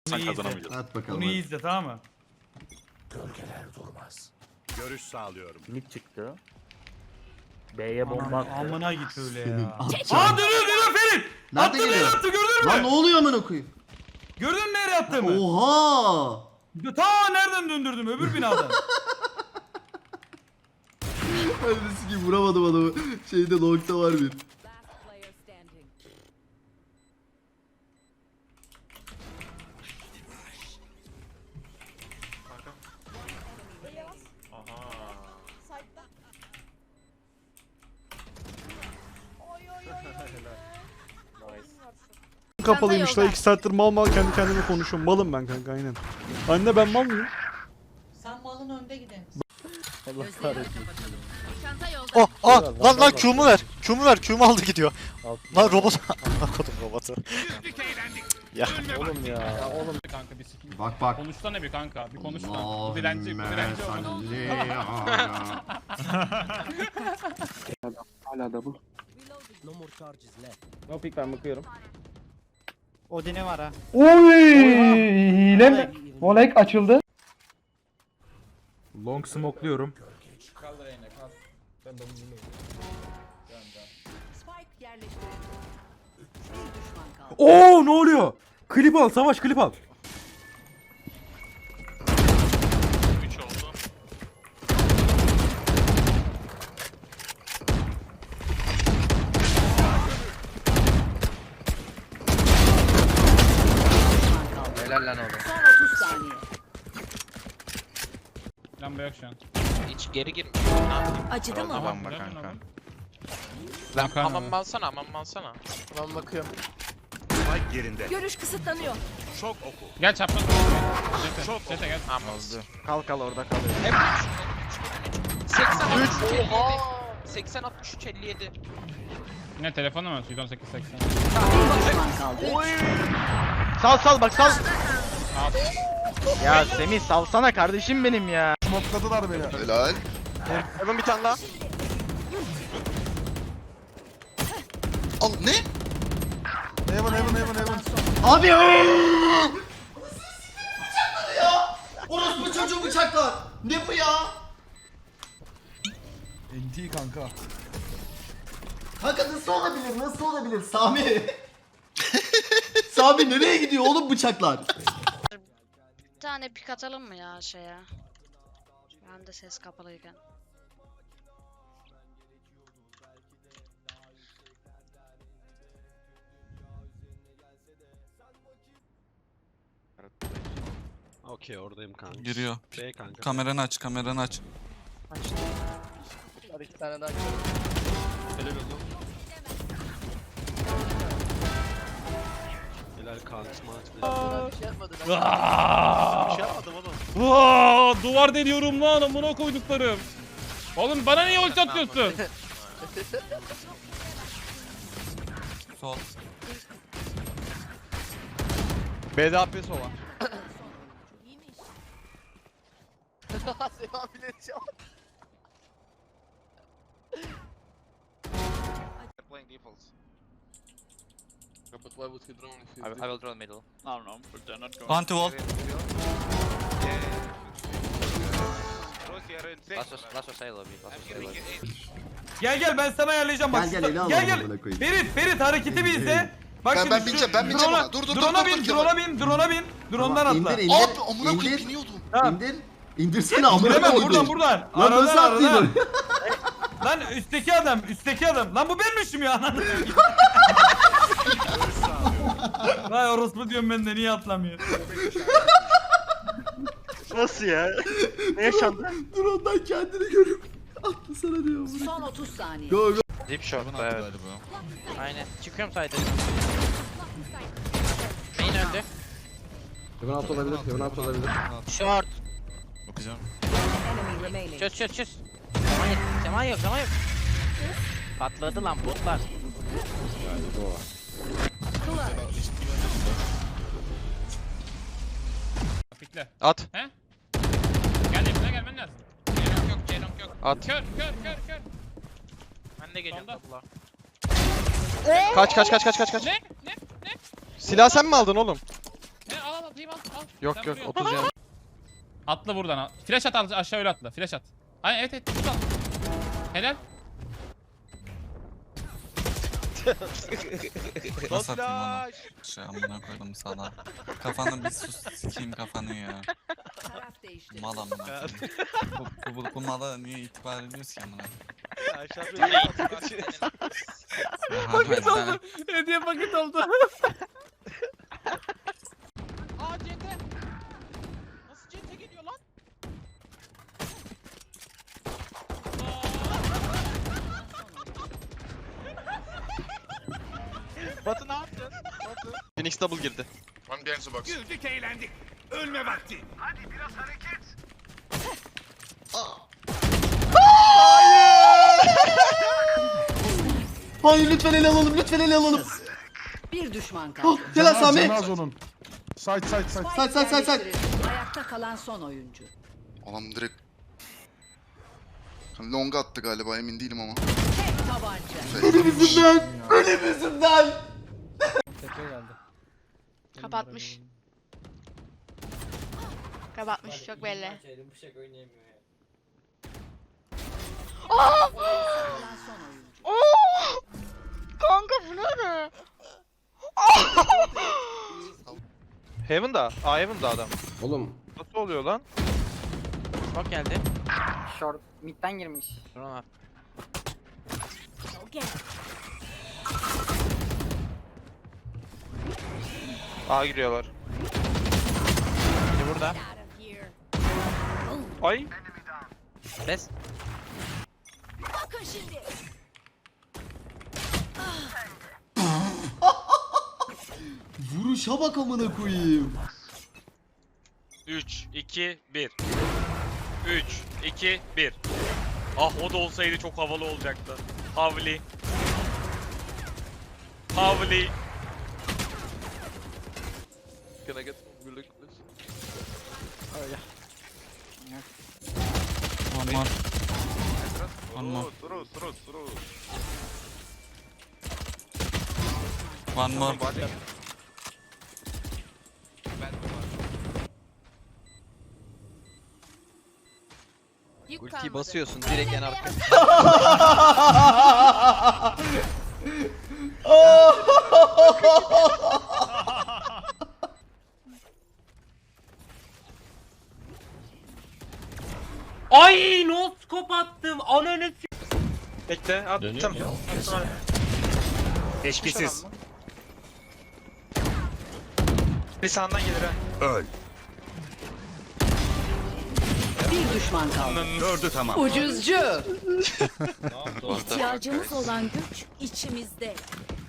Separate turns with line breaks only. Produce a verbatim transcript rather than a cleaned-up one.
Sen kazanamayacağız.
At bakalım.
Bunu iyi izle, tamam mı?
Gölgeler durmaz. Görüş sağlıyorum.
Mid çıktı. B'ye bomba
Anam,
attı.
amına git öyle
Senin
ya.
atacağın.
Aa dönüyor dönüyor Ferit.
Nerede
Attı nereye
geliyor?
attı, gördün mü?
Lan ne oluyor amına koyayım?
Gördün mü nereye attığımı?
Oha!
Ta nereden döndürdüm, öbür binadan.
Öylesi gibi vuramadım adamı. Şeyde longta var bir.
Last player standing.
Kapalıymış da iki saattir mal mal kendi kendime konuşuyorum. Malım ben kanka aynen. Anne ben mal mıyım?
Sen malın önde gidin.
Allah kahretsin.
Çanta yolda.
Oh ah lan lan Q'mu ver. Q'mu ver. Q'mu aldı gidiyor.
Altına-
Lan robot. Amına kodum robotu. Ya
Oğlum ya. ya oğlum.
Kanka bir sikim.
Bak bak.
Konuşsana bir kanka. Bir konuşma. Bu
Allahümme
dilenci, bu dilenci olmadı.
salli ala.
Hala double. No pick ben bakıyorum.
Odin'i var ha.
Oy! Hile mi? Volek açıldı.
Long smoke'luyorum.
Spike yerleştirildi. Bir düşman kaldı.
Oo ne oluyor? Klip al savaş klip al.
üç oldu.
Helal lan oğlum.
Son otuz saniye.
Lamba yok şu an.
Hiç geri gir.
Acıdı mı?
Lamba kanka.
Lan
hamam
alsana hamam alsana. Ben bakıyorum.
Spike yerinde.
Görüş kısıtlanıyor.
Çok oku.
Gel çapraz. Jete,
Çok
Jete gel.
Tamam oldu.
Kal kal orada kal.
seksen altmış üç elli yedi. seksen altmış üç elli yedi.
Yine telefonu mu? yüz on sekiz seksen.
Bir düşman kaldı.
Sal sal bak sal.
Al.
Ya Semih salsana kardeşim benim ya.
Helal.
Hemen bir tane daha.
Al ne?
Abi ooo! Bıçakladı ya! Orospu çocuğu bıçaklar! Ne bu ya?
N T kanka.
Kanka nasıl olabilir? Nasıl olabilir? Sami! Sami nereye gidiyor oğlum bıçaklar?
Bir tane pik atalım mı ya şeye? Ben de ses kapalıyken.
Okey oradayım kanka.
Giriyor.
B kanka.
Kameranı aç kameranı aç.
Hadi iki tane daha.
Helal olsun. Helal kansma
Bir şey yapmadı.
Bir şey yapmadım oğlum.
Aa, duvar deliyorum lan amına koyduklarım. Oğlum bana niye ulti atıyorsun?
Sol.
B D A P sova.
Playing default.
I, I will draw middle.
No no, they're not going.
Anti wall.
Last was last was say lobby. Last was say lobby.
Gel gel ben sana ayarlayacağım bak.
Gel gel eli al
Gel gel.
amına koyayım.
Ferit Ferit hareketi bir izle. Bak
Ben-
şimdi
ben
şu
bineceğim, ben bineceğim
drone'a-
ona. Dur, dur, dur,
drone'a
dur,
bin,
dur,
drone'a bin, drone'a bin. Drone'dan
Tamam,
atla.
İndir indir.
Abi amına koyayım
indir.
biniyordum.
Tamam.
İndir. İndirsene amına
İndiremem
koydum.
buradan buradan.
Lan nasıl
Aradan, aradan.
attıydın?
Lan üstteki adam, üstteki adam. Lan bu benmişim ya. Anladın mı? Vay orospu diyorum ben de niye atlamıyor?
Nasıl ya? Ne yaşandı?
Dur ondan kendini görüp atla sana diyor.
Son otuz saniye.
Go go.
Deep shot evet. Aynen. Çıkıyorum sayda. Main öldü.
Hemen alt olabilir. Hemen alt olabilir.
Short.
Bakacağım.
Enemy remaining.
Çöz çöz çöz. Zaman yok. Zaman yok. Zaman yok. Patladı lan botlar.
Pikle.
At.
He? Gel yapına gelmen lazım. Ceylon yok, Ceylon yok.
At.
Kör, kör, kör, kör.
Ben de geliyorum
Sonda.
tabla.
Kaç kaç kaç kaç kaç kaç.
Ne? Ne? Ne?
Silah sen mi aldın oğlum?
Ne? Al al atayım al. al.
Yok
Sen
yok
vuruyorsun.
otuz can.
Atla buradan. Flash at al- aşağı öyle atla. Flash at. Ay evet evet. Tut al. Helal.
Nasıl atayım onu?
Şey amına koydum sana. Kafanı bir sus sikeyim kafanı ya. Mal amına koyayım. Bu, bu, bu mala niye itibar ediyoruz ki amına?
Paket oldu. Hediye paket oldu. Aa C T. Nasıl C T geliyor lan?
Batı ne yaptın? Phoenix double girdi.
Güldük eğlendik. Ölme vakti.
Hayır lütfen ele alalım lütfen ele alalım.
Bir düşman kaldı.
Oh, helal Sami.
onun. Side side side.
Say say say say.
Ayakta kalan son oyuncu.
Adam direkt long attı galiba emin değilim ama.
Tek tabanca.
Benim yüzümden. Benim yüzümden.
Kapatmış. Kapatmış çok belli.
Kalan son oyuncu.
Oo! Kanka bu ne?
Heaven'da. Aa Heaven'da adam.
Oğlum.
Nasıl oluyor lan?
Smoke geldi.
Short midden girmiş.
Sonra
A giriyorlar.
biri burada.
Ay.
Bes.
Vuruşa bak amına koyayım.
üç, iki, bir. üç, iki, bir. Ah o da olsaydı çok havalı olacaktı. Havli. Havli.
Can I get some good please?
One more. One more.
Throw, throw, throw.
One more.
Ultiyi basıyorsun direkt en arka.
Ay no scope attım. Ananı
Bekle attım.
Eşkisiz.
Bir sağından gelir ha.
Öl.
Bir düşman kaldı.
Dördü tamam.
Ucuzcu.
İhtiyacımız
olan güç içimizde.